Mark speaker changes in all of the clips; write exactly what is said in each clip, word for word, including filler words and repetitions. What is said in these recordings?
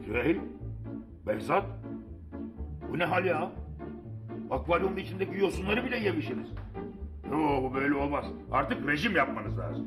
Speaker 1: Süheyl, Behzat, bu ne hal ya? Akvaryumun içindeki yosunları bile yemişsiniz. Yo, bu böyle olmaz. Artık rejim yapmanız lazım.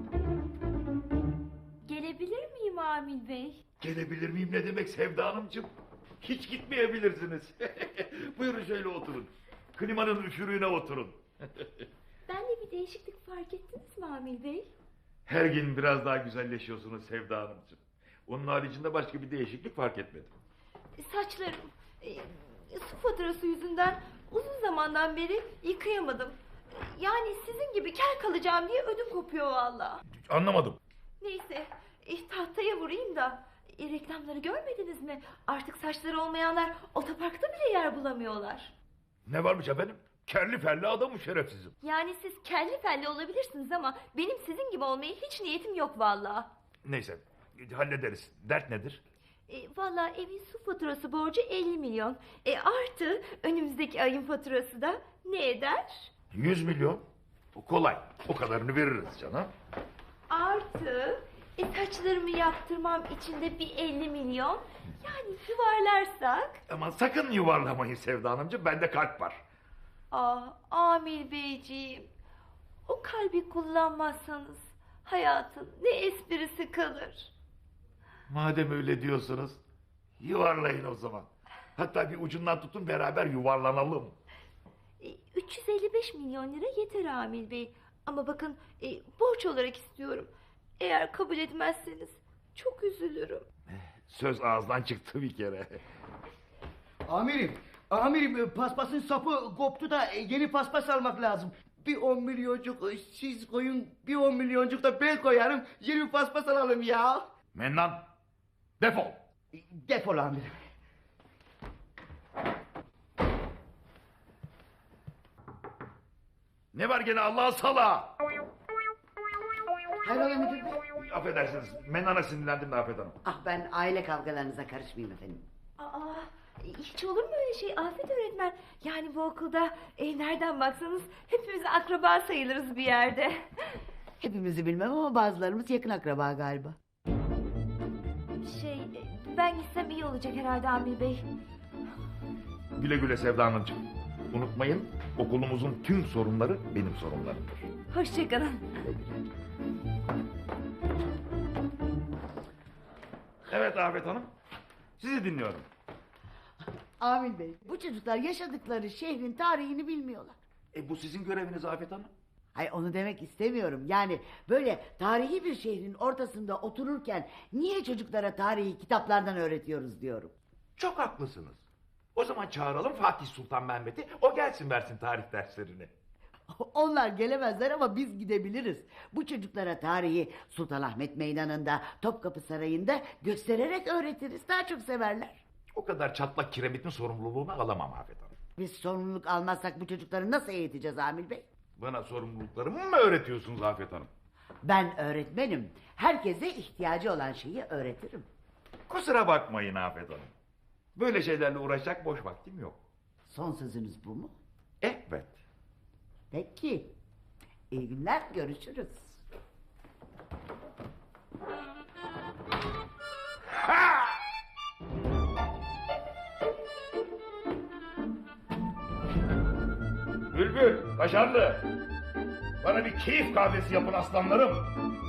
Speaker 2: Gelebilir miyim Amil Bey?
Speaker 1: Gelebilir miyim ne demek Sevda Hanımcığım? Hiç gitmeyebilirsiniz. Buyurun şöyle oturun. Klimanın üfürüğüne oturun.
Speaker 2: Bende bir değişiklik fark ettiniz mi Amil Bey?
Speaker 1: Her gün biraz daha güzelleşiyorsunuz Sevda Hanımcığım. Onun haricinde başka bir değişiklik fark etmedim.
Speaker 2: Saçlarım e, su faturası yüzünden uzun zamandan beri yıkayamadım. Yani sizin gibi kel kalacağım diye ödüm kopuyor valla.
Speaker 1: Anlamadım.
Speaker 2: Neyse e, tahtaya vurayım da e, reklamları görmediniz mi? Artık saçları olmayanlar otoparkta bile yer bulamıyorlar.
Speaker 1: Ne varmış efendim? Kerli felli adamım şerefsizim.
Speaker 2: Yani siz kelli felli olabilirsiniz ama benim sizin gibi olmaya hiç niyetim yok valla.
Speaker 1: Neyse hallederiz. Dert nedir?
Speaker 2: E, Valla evin su faturası borcu elli milyon. E, artı önümüzdeki ayın faturası da ne eder?
Speaker 1: Yüz milyon. O kolay. O kadarını veririz canım.
Speaker 2: Artı e, saçlarımı yaptırmam için de bir elli milyon. Yani yuvarlarsak...
Speaker 1: Aman sakın yuvarlamayın Sevda Hanımcığım. Bende kalp var.
Speaker 2: Ah Amil Beyciğim, o kalbi kullanmazsanız hayatın ne esprisi kalır?
Speaker 1: Madem öyle diyorsunuz, yuvarlayın o zaman. Hatta bir ucundan tutun beraber yuvarlanalım.
Speaker 2: E, üç yüz elli beş milyon lira yeter Amil Bey. Ama bakın e, borç olarak istiyorum. Eğer kabul etmezseniz çok üzülürüm.
Speaker 1: Söz ağızdan çıktı bir kere.
Speaker 3: Amirim, amirim paspasın sapı koptu da yeni paspas almak lazım. Bir on milyoncuk siz koyun, bir on milyoncuk da ben koyarım. Yeni paspas alalım ya.
Speaker 1: Mennan, defol.
Speaker 3: Defol amirim.
Speaker 1: Ne var gene Allah'a sala?
Speaker 3: Hayrola müdür bey?
Speaker 1: Affedersiniz, Mennan'a sinirlendim de Afet Hanım.
Speaker 4: Ah ben aile kavgalarınıza karışmayayım efendim.
Speaker 2: Aa, hiç olur mu öyle şey Afet öğretmen? Yani bu okulda e, nereden baksanız hepimiz akraba sayılırız bir yerde.
Speaker 4: Hepimizi bilmem ama bazılarımız yakın akraba galiba.
Speaker 2: Şey e, ben gitsem iyi olacak herhalde Amil Bey.
Speaker 1: Güle güle Sevda Hanımcığım. Unutmayın, okulumuzun tüm sorunları benim sorunlarımdır.
Speaker 2: Hoşçakalın.
Speaker 1: Evet Afet Hanım, sizi dinliyorum.
Speaker 4: Amil Bey, bu çocuklar yaşadıkları şehrin tarihini bilmiyorlar.
Speaker 1: E bu sizin göreviniz Afet Hanım.
Speaker 4: Hayır onu demek istemiyorum. Yani böyle tarihi bir şehrin ortasında otururken niye çocuklara tarihi kitaplardan öğretiyoruz diyorum.
Speaker 1: Çok haklısınız. O zaman çağıralım Fatih Sultan Mehmet'i, o gelsin versin tarih derslerini.
Speaker 4: Onlar gelemezler ama biz gidebiliriz. Bu çocuklara tarihi Sultanahmet Meydanı'nda, Topkapı Sarayı'nda göstererek öğretiriz. Daha çok severler.
Speaker 1: O kadar çatlak kiremitin sorumluluğunu alamam Afet Hanım.
Speaker 4: Biz sorumluluk almazsak bu çocukları nasıl eğiteceğiz Amil Bey?
Speaker 1: Bana sorumluluklarımı mı öğretiyorsunuz Afet Hanım?
Speaker 4: Ben öğretmenim. Herkese ihtiyacı olan şeyi öğretirim.
Speaker 1: Kusura bakmayın Afet Hanım. Böyle şeylerle uğraşacak boş vaktim yok.
Speaker 4: Son sözünüz bu mu?
Speaker 1: Evet.
Speaker 4: Peki. İyi günler, görüşürüz.
Speaker 1: Ha! Bülbül, başarılı. Bana bir keyif kahvesi yapın aslanlarım.